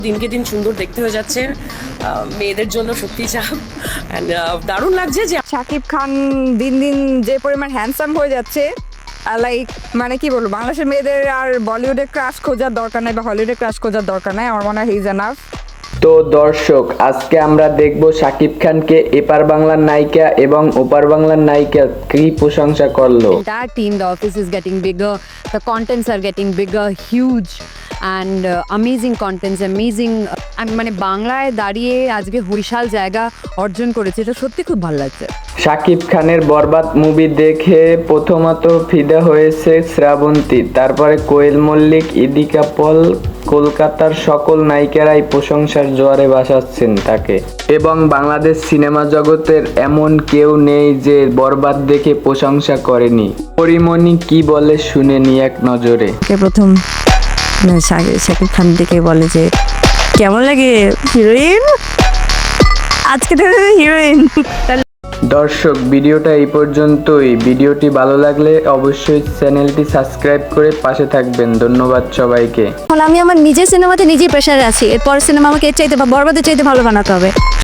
দিনকে দিন সুন্দর দেখতে হয়ে যাচ্ছে, মেয়েদের জন্য সত্যি চাপ। অ্যান্ড দারুণ লাগছে যে শাকিব খান দিন দিন যে পরিমাণ হ্যান্ডসাম হয়ে যাচ্ছে, লাইক মানে কি বলবো, বাংলাদেশের মেয়েদের আর বলিউডে ক্রাশ খোঁজার দরকার নাই বা হলিউডে ক্রাশ খোঁজার দরকার নাই। আমার মনে হয় হি ইজ এনাফ। তো দর্শক, আজকে আমরা দেখব শাকিব খানকে এপার বাংলার নায়িকা এবং ওপার বাংলার নায়িকা কি প্রশংসা করলো। Entire team, the office is getting bigger, the contents are getting bigger, huge and amazing contents, amazing. মানে বাংলায় দাঁড়িয়ে আজকে বিশাল জায়গা অর্জন করেছে, এটা সত্যি খুব ভালো লাগছে। শাকিব খানের বরবাদ মুভি দেখে প্রথমত ফিদা হয়েছে শ্রাবন্তী, তারপরে কোয়েল মল্লিক, ইদিকা পল, কলকাতার সকল নায়িকারাই প্রশংসার জোয়ারে ভাসাচ্ছেন তাকে। এবং বাংলাদেশ সিনেমা জগতের এমন কেউ নেই যে বরবাদ দেখে প্রশংসা করেনি। পরিমণি কি বলে শুনে নি এক নজরে। প্রথম শাকিব খান থেকে বলে যে কেমন লাগে হিরোইন, আজকে হিরোইন। দর্শক, ভিডিওটা এই পর্যন্তই। ভিডিওটি ভালো লাগলে অবশ্যই চ্যানেলটি সাবস্ক্রাইব করে পাশে থাকবেন। ধন্যবাদ সবাইকে। আমি আমার নিজের সিনেমাতে নিজেই প্রেশারে আছি, এরপর সিনেমা আমাকে এর চাইতে বা বরবাদের চাইতে ভালো বানাতে হবে।